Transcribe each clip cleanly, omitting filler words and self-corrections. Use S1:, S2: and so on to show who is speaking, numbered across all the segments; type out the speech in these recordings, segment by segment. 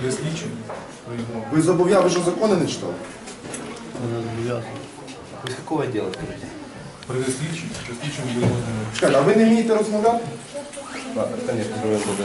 S1: При слідчому?
S2: Ви зобов'язані, ви що закони не читали?
S3: Вы с какого отдела, скажите?
S1: При слідчому? При слідчому будемо знайомі.
S2: Чекайте, а ви не вмієте розмовляти?
S3: Ладно, конечно, живем за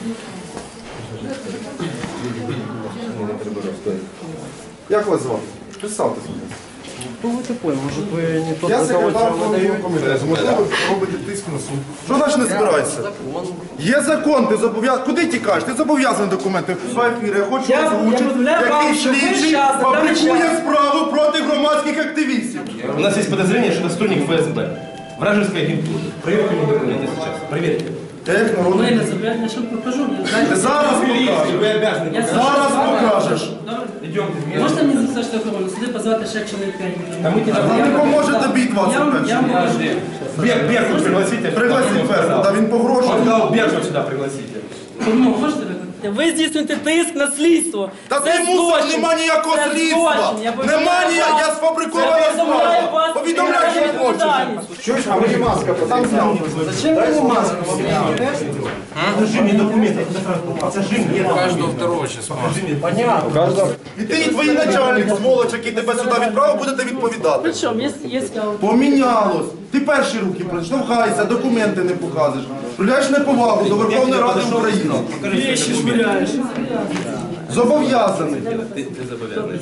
S3: не треба розповідати.
S2: Як вас звати? Представтеся.
S4: Кто вы такой? Может вы не тот,
S2: Я
S4: за кого
S2: секретар
S4: вам
S2: Верховного
S4: выдают?
S2: комітету. Можливо, ви робите тиск на суд. Що значить не збираєшся? Є закон, ти зобов'язаний. Куди тікаєш? Ти зобов'язаний документи. В ефірі я хочу
S5: Я
S2: озвучити,
S5: повідомляю вам,
S2: який
S5: що ви
S2: слідчий
S5: щас, на даний
S2: фабрикує
S5: час.
S2: справу проти громадських активістів.
S6: У нас есть подозрение, что это сотрудник ФСБ. Вражеская агентура. Проверьте мне документы сейчас. Проверьте.
S2: Як народний.
S5: Ми не забираємо, я ще покажу.
S2: Ти зараз покажеш.
S6: Вы обязаны.
S5: Я
S2: Зараз покажеш.
S6: Идемте.
S5: Можете мені за що охорону? Сюди позвати ще чоловік 5
S6: А мы тебя
S2: Вам не поможе тобі
S5: Я вам
S2: 21.
S5: покажу.
S6: Беркут пригласите.
S2: Пригласіть Беркута, він
S6: Он
S2: погрожує.
S6: сказал, Беркут сюда пригласите.
S5: Ну, можете виконати? Ви здійснюєте тиск на слідство.
S2: Та
S5: Це
S2: ти мусор,
S5: злочин.
S2: нема ніякого
S5: Це
S2: слідства.
S5: злочин. Я повідомляю
S2: Нема ніякого,
S5: вас.
S2: я сфабрикована
S5: Я повідомляю
S2: справа.
S5: вас.
S2: Повідомляй, що хочеш.
S5: Відповідальність.
S2: Чуєш, а мені маска, там зняв.
S4: Зачем вы не маску?
S6: Покажи мне документы. Покажи мне.
S1: Каждого второго сейчас можно.
S4: Понятно.
S2: І ти, і твій начальник, сволоч, який тебе сюди відправив, будете відповідати.
S5: Причому, є скаут.
S2: Помінялось. Ти перші руки штовхайся, документи не показуєш. Проявляєш неповагу до Верховної Ради України.
S5: Вещи швыряешь.
S2: Зобов'язаний.
S6: Ты зобовязан.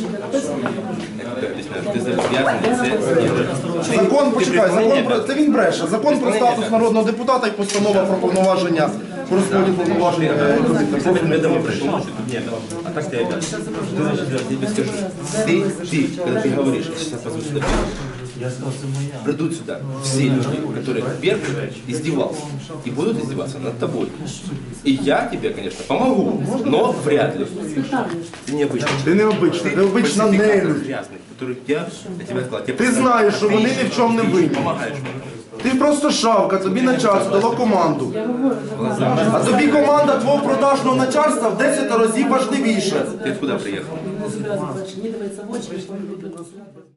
S6: Ты зобовязан.
S2: Закон, почекай, закон про це він бреше. Закон про статус народного депутата і постанова про повноваження про розподіл повноважень
S6: Я домой пришел. Нет, а так ты обязан. Ты значит, я тебе скажу. Ты, когда ты говоришь, я сейчас позову сюда. Придут сюда все люди, которые Беркут издевался и будут издеваться над тобой. И я тебе, конечно, помогу, но вряд ли. Ты необычный.
S2: Ти необична, ти обична нелюдь.
S6: Грязный, который я тебе сказал.
S2: Ти знаєш, що вони ні в чому не винні.
S6: Помогаешь мне.
S2: Ти просто шавка, тобі начальство дало команду. А тобі команда твого продажного начальства в 10 разів важливіше.
S6: Ты откуда приехал?
S5: Не давайте в очі, що ви робите.